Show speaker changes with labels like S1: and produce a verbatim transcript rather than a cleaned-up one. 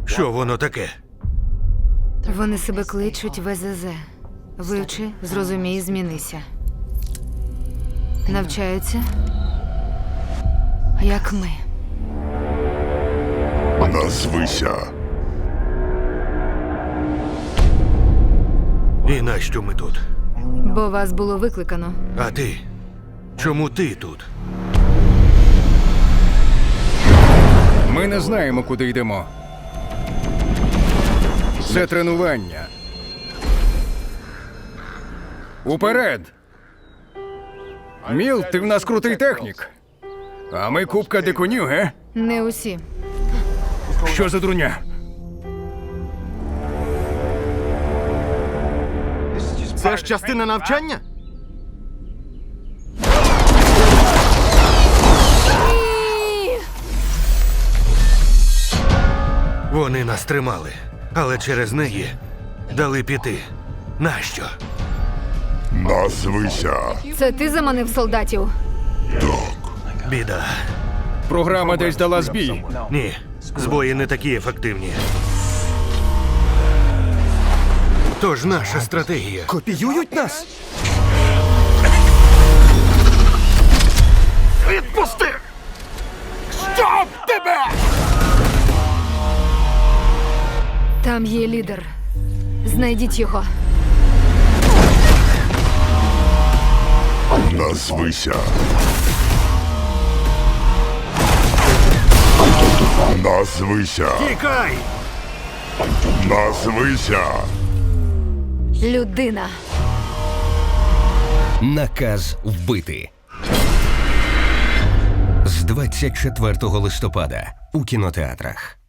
S1: Що воно таке?
S2: Вони себе кличуть В З З. Вивчи, зрозумій, змінися. Навчаються, як ми.
S3: Назвися.
S1: І нащо ми тут?
S2: Бо вас було викликано.
S1: А ти? Чому ти тут?
S4: Ми не знаємо, куди йдемо. Це тренування. Уперед! Міл, ти в нас крутий технік. А ми купка дикунів, ге?
S2: Не усі.
S4: Що за дурня?
S5: Це ж частина навчання?
S1: Вони нас тримали, але через неї дали піти. Нащо?
S3: Назвися.
S2: Це ти заманив солдатів?
S1: Біда.
S4: Програма десь дала збій.
S1: Ні, збої не такі ефективні. Тож наша стратегія.
S5: Копіюють нас? Відпусти! Щоб тебе!
S2: Там є лідер. Знайдіть його.
S3: Назвися. Назвися.
S1: Тікай!
S3: Назвися.
S2: Людина.
S6: Наказ вбити. З двадцять четвертого листопада у кінотеатрах.